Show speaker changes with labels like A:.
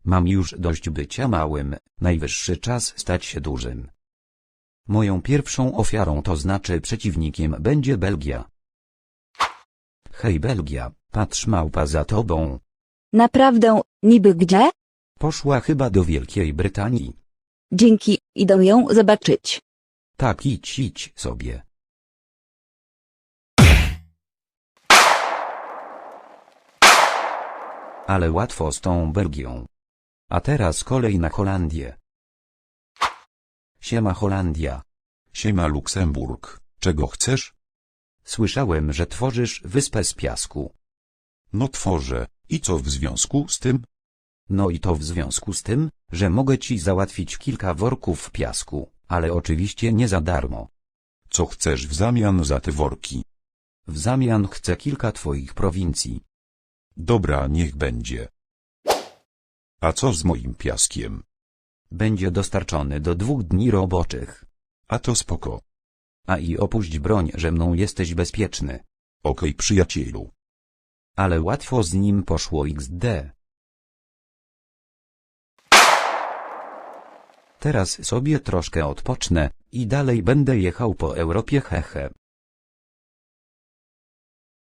A: Mam już dość bycia małym, najwyższy czas stać się dużym. Moją pierwszą ofiarą, to znaczy przeciwnikiem, będzie Belgia. Hej Belgia, patrz, małpa za tobą.
B: Naprawdę, niby gdzie?
A: Poszła chyba do Wielkiej Brytanii.
B: Dzięki, idę ją zobaczyć.
A: Tak, idź sobie. Ale łatwo z tą Belgią. A teraz kolej na Holandię. Siema Holandia.
C: Siema Luksemburg, czego chcesz?
A: Słyszałem, że tworzysz wyspę z piasku.
C: No tworzę, i co w związku z tym?
A: No i to w związku z tym, że mogę ci załatwić kilka worków piasku, ale oczywiście nie za darmo.
C: Co chcesz w zamian za te worki?
A: W zamian chcę kilka twoich prowincji.
C: Dobra, niech będzie. A co z moim piaskiem?
A: Będzie dostarczony do 2 dni roboczych.
C: A to spoko.
A: A i opuść broń, że mną jesteś bezpieczny.
C: Okej, przyjacielu.
A: Ale łatwo z nim poszło XD. Teraz sobie troszkę odpocznę i dalej będę jechał po Europie, hehe.